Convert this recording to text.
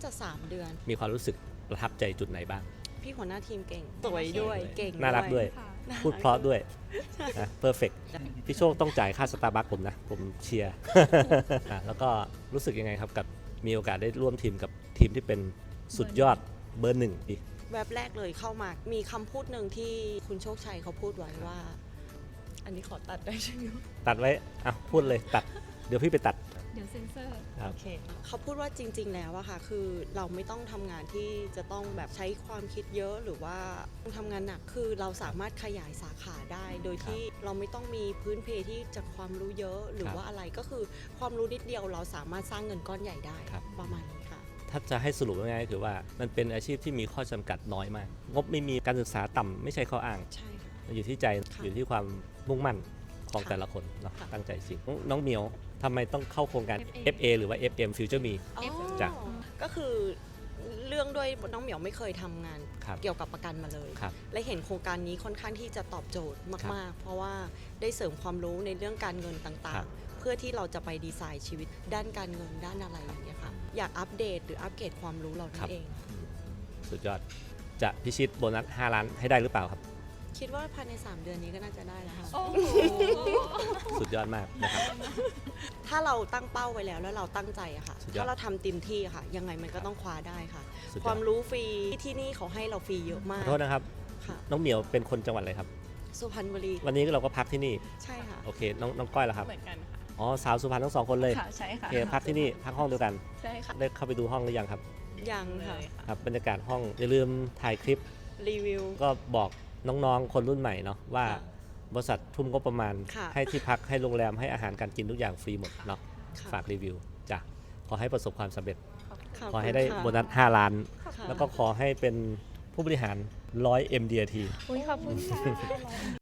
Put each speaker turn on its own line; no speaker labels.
จะ3 เดือน
มีความรู้สึกประทับใจจุดไหนบ้าง
พี่หัวหน้าทีมเก่งสวยด้วยเก่ง
น่ารักด้วย
ค่ะ
พูดเพราะด้วยนะเพอร์เฟกพี่โชคต้องจ่ายค่าสตาร์บัคผมนะผมเชียร์ แล้วก็รู้สึกยังไงครับกับมีโอกาสได้ร่วมทีมกับทีมที่เป็นสุดยอดเบอร์ 1อีก
แวบแรกเลยเข้ามามีคำพูดหนึ่งที่คุณโชคชัยเขาพูดไว้ว่า อันนี้ขอตัดได้ใช่ไหม
ตัดไว้พูดเลยตัดเดี๋ยวพี่ไปตัด
เดี๋ยวเซ็นเซอร์
ครับ
โอเคเขาพูดว่าจริงๆแล้วอะค่ะคือเราไม่ต้องทำงานที่จะต้องแบบใช้ความคิดเยอะหรือว่าต้องทำงานหนักคือเราสามารถขยายสาขาได้ โดยที่เราไม่ต้องมีพื้นเพที่จะความรู้เยอะหรือว่าอะไรก็คือความรู้นิดเดียวเราสามารถสร้างเงินก้อนใหญ่ได้ประมาณนี้ค่ะ
ถ้าจะให้สรุปง่ายๆคือว่ามันเป็นอาชีพที่มีข้อจำกัดน้อยมากงบไม่มีการศึกษาต่ำไม่ใช่ข้ออ้าง
ใช่ค่ะ
มันอยู่ที่ใจ
ค่ะ
อยู่ที่ความมุ่งมั่นของ
ค่ะ
แต่ละคนเนาะ
ค่ะ
ตั้งใจจริงน้องเหมียวทำไมต้องเข้าโครงการ FA หรือว่า FM Future Me
อ๋อ
จ้ะ
ก็คือเรื่องด้วยน้องเหมียวไม่เคยทำงาน
ครับ
เกี่ยวกับประกันมาเลย
ครับ
และเห็นโครงการนี้ค่อนข้างที่จะตอบโจทย์มากๆ เพราะว่าได้เสริมความรู้ในเรื่องการเงินต่า
ครั
ง
บ
ๆ เพื่อที่เราจะไปดีไซน์ชีวิตด้านการเงินด้านอะไรอย่างเงี้ยค่ะอยากอัปเดตหรืออัปเกรดความรู้เรานั่นเอง
สุดยอดจะพิชิตโบนัส5 ล้านให้ได้หรือเปล่าครับ
คิดว่าภายใน3 เดือนนี้ก็น่าจะได้แล้วค่ะ
โอ้โห
สุดยอดมากนะครับ
ถ้าเราตั้งเป้าไว้แล้วแล้วเราตั้งใจอะค่ะ
สุดยอด
ถ้าเราทำเต็มที่อะค่ะ ยังไงมันก็ต้องคว้าได้ค่ะ
สุดยอด
ความรู้ฟรีที่นี่เขาให้เราฟรีเยอะมา
ข
ก
อโทษนะครับ
ค่ะ
น้องเหมียวเป็นคนจังหวัดอะไรครับ
สุพรรณบุรี
วันนี้เราก็พักที่นี่
ใช่ค่ะ
โอเคน้องก้อยล่ะครับ
เหมือนกันค่ะ
อ๋อสาวสุพรรณทั้ง2 คนเลย
ค่ะ ใช่
โอ
ค่ะ
เคพักที่นี่พักห้องเดียวกัน
ใช่ค่ะ
ได้เข้าไปดูห้องหรือยังครับ
ยังค่ะ
ครับบรรยากาศห้องอย่าลืมถ่ายคลิป
รีวิว
ก็บอกน้องๆ คนรุ่นใหม่เนาะว่า
ค่ะ
บริษัททุ่มงบประมาณ
ค่ะ
ให้ที่พักให้โรงแรมให้อาหารการกินทุกอย่างฟรีหมดเนาะ
ค่ะ
ฝากรีวิวจ้ะขอให้ประสบความสำเร็จ
ขอบ
ขอ
คุณ
ให้ได้
ค่ะ
โบนัส5 ล้าน
ค่ะ
แล้วก็ขอให้เป็นผู้บริหาร100 MDRT
อุ้ยขอบคุณค่ะ